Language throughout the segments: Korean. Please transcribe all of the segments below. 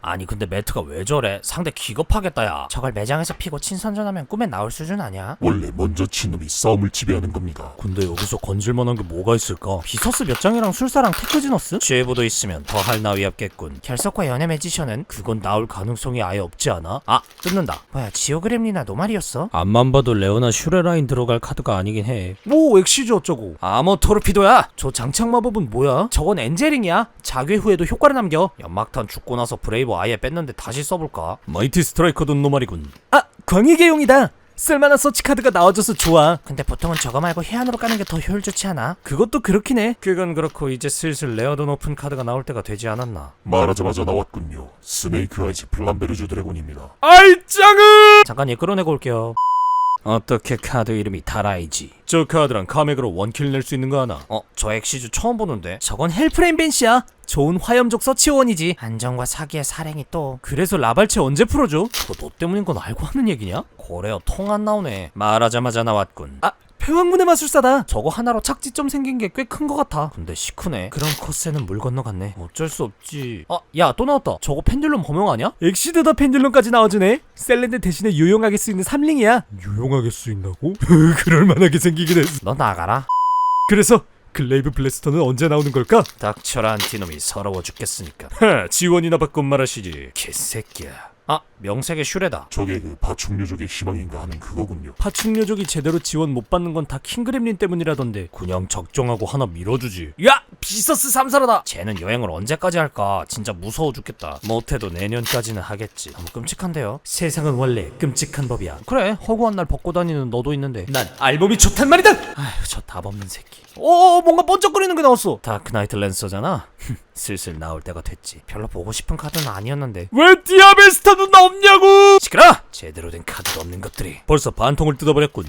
아니 근데 매트가 왜 저래? 상대 기겁하겠다 야. 저걸 매장에서 피고 친선전하면 꿈에 나올 수준 아니야? 원래 먼저 친 놈이 싸움을 지배하는 겁니다. 근데 여기서 건질만한 게 뭐가 있을까? 비서스 몇 장이랑 술사랑 테크지너스? 쥐에보도 있으면 더 할 나위 없겠군. 결석과 연애 매지션은? 그건 나올 가능성이 아예 없지 않아? 아! 뜯는다. 뭐야 지오그램리나 노말이었어? 앞만 봐도 레오나 슈레라인 들어갈 카드가 아니긴 해. 뭐 엑시즈 어쩌고. 아머 토르피도야! 저 장착 마법은 뭐야? 저건 엔젤링이야. 자괴 후에도 효과를 남겨. 연막탄 죽고 나서 브레이브 아예 뺐는데 다시 써볼까? 마이티 스트라이커도 노말이군. 아! 광희계용이다! 쓸만한 서치카드가 나와줘서 좋아. 근데 보통은 저거 말고 해안으로 까는 게 더 효율 좋지 않아? 그것도 그렇긴 해. 그건 그렇고 이제 슬슬 레어도 높은 카드가 나올 때가 되지 않았나? 말하자마자 나왔군요. 스네이크 아이즈 플란베르주 드래곤입니다. 아이 짱은! 잠깐 얘 끌어내고 올게요. 어떻게 카드 이름이 다라이지? 저 카드랑 카맥으로 원킬 낼 수 있는 거 하나? 저 엑시즈 처음 보는데? 저건 헬프레임 벤시야. 좋은 화염족 서치원이지. 안정과 사기의 사랭이 또. 그래서 라발체 언제 풀어줘? 그거 너 때문인 건 알고 하는 얘기냐? 고래어 통 안 나오네. 말하자마자 나왔군. 아! 폐왕문의 마술사다. 저거 하나로 착지점 생긴 게 꽤 큰 거 같아. 근데 시크네. 그럼 코스는 물 건너갔네. 어쩔 수 없지. 야 또 나왔다. 저거 펜듈럼 범용 아니야? 엑시드더 펜듈럼까지 나와주네. 셀렌드 대신에 유용하게 쓰이는 3링이야. 유용하게 쓰인다고? 그럴만하게 생기긴 했어. 너 나가라. 그래서 글레이브 블래스터는 언제 나오는 걸까? 닥쳐라 안티놈이 서러워 죽겠으니까. 지원이나 받고 말하시지 개새끼야. 아 명색의 슈레다. 저게 그 파충류족의 희망인가 하는 그거군요. 파충류족이 제대로 지원 못 받는 건 다 킹그렘린 때문이라던데. 그냥 적정하고 하나 밀어주지. 야! 비서스 삼사라다! 쟤는 여행을 언제까지 할까? 진짜 무서워 죽겠다. 못해도 내년까지는 하겠지. 너무 끔찍한데요? 세상은 원래 끔찍한 법이야. 그래 허구한 날 벗고 다니는 너도 있는데 난 알몸이 좋단 말이다! 아휴 저 답 없는 새끼. 뭔가 번쩍거리는 게 나왔어. 다크나이트 랜서잖아. 슬슬 나올 때가 됐지. 별로 보고 싶은 카드는 아니었는데 왜 디아벨스타는 없냐고! 시끄러! 제대로 된 카드도 없는 것들이. 벌써 반통을 뜯어버렸군.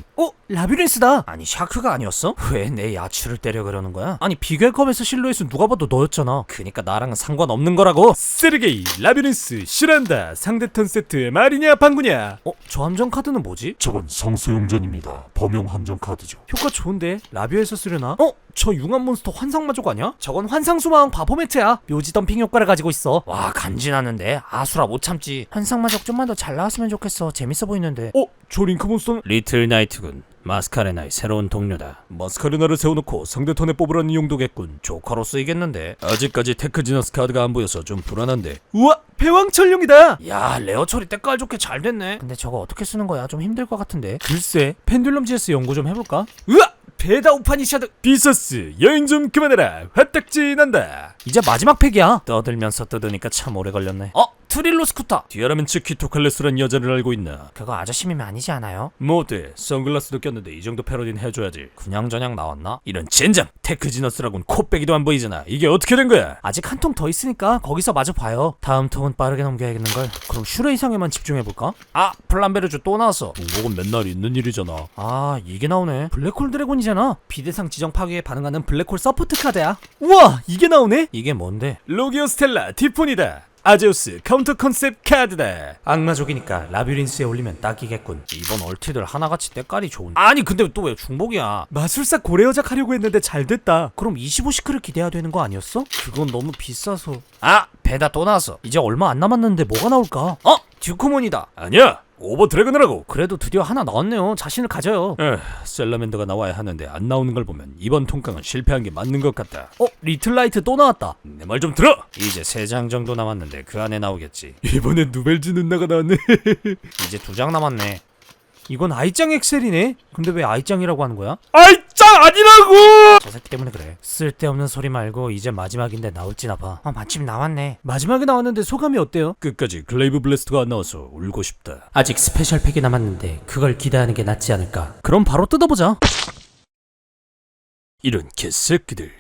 라비린스다. 아니 샤크가 아니었어? 왜 내 야추를 때려 그러는 거야? 아니 비결컵에서 실루엣은 누가 봐도 너였잖아. 그니까 나랑은 상관없는 거라고. 세르게이, 라비린스, 슈란다. 상대 턴 세트 말이냐 방구냐. 저 함정 카드는 뭐지? 저건 성소용전입니다. 범용 함정 카드죠. 효과 좋은데 라비오에서 쓰려나? 저 융합 몬스터 환상마족 아니야? 저건 환상수마왕 바포매트야. 묘지 덤핑 효과를 가지고 있어. 와 간지나는데 아수라 못 참지. 환상마족 좀만 더 잘 나왔으면 좋겠어. 재밌어 보이는데. 저 링크 몬스터는? 리틀 나이트군. 마스카레나의 새로운 동료다. 마스카레나를 세워놓고 상대 턴에 뽑으라는 용도겠군. 조커로 쓰이겠는데. 아직까지 테크지너스 카드가 안 보여서 좀 불안한데. 우와! 패왕철룡이다! 야 레어 처리 때깔 좋게 잘 됐네. 근데 저거 어떻게 쓰는 거야? 좀 힘들 것 같은데. 글쎄 펜듈럼 GS 연구 좀 해볼까? 으악! 베다 우파니샤드. 비서스 여행 좀 그만해라. 화딱지 난다. 이제 마지막 팩이야. 떠들면서 뜯으니까 참 오래 걸렸네. 트릴로 스쿠터. 디아라멘츠 키토칼레스란 여자를 알고 있나? 그거 아저씨미면 아니지 않아요? 뭐어때? 선글라스도 꼈는데 이 정도 패러디는 해줘야지. 그냥저냥 나왔나? 이런 젠장! 테크지너스라곤 코빼기도 안 보이잖아. 이게 어떻게 된 거야? 아직 한 통 더 있으니까 거기서 마저 봐요. 다음 통은 빠르게 넘겨야겠는걸. 그럼 슈레 이상에만 집중해볼까? 플란베르주 또 나왔어. 중복은 맨날 있는 일이잖아. 이게 나오네. 블랙홀 드래곤이잖아. 비대상 지정 파괴에 반응하는 블랙홀 서포트 카드야. 우와! 이게 나오네? 이게 뭔데? 로기오 스텔라 티폰이다. 아제우스 카운터 컨셉 카드다. 악마족이니까 라비린스에 올리면 딱이겠군. 이번 얼티들 하나같이 때깔이 좋은데. 아니 근데 또 왜 중복이야? 마술사 고래여작 하려고 했는데 잘 됐다. 그럼 25시크를 기대해야 되는 거 아니었어? 그건 너무 비싸서. 베다 또 나왔어. 이제 얼마 안 남았는데 뭐가 나올까? 듀크몬이다. 아니야! 오버 드래곤이라고. 그래도 드디어 하나 나왔네요. 자신을 가져요. 셀라멘더가 나와야 하는데 안 나오는 걸 보면 이번 통깡은 실패한 게 맞는 것 같다. 리틀라이트 또 나왔다. 내 말 좀 들어. 이제 3장 정도 남았는데 그 안에 나오겠지. 이번엔 누벨즈 눈나가 나왔네. 이제 2장 남았네. 이건 아이짱 엑셀이네. 근데 왜 아이짱이라고 하는 거야? 아이짱 아니라고! 저 새끼 때문에 그래. 쓸데없는 소리 말고 이제 마지막인데 나올지나 봐. 마침 나왔네. 마지막에 나왔는데 소감이 어때요? 끝까지 글레이브 블래스터가 안 나와서 울고 싶다. 아직 스페셜 팩이 남았는데 그걸 기대하는 게 낫지 않을까. 그럼 바로 뜯어보자. 이런 개새끼들.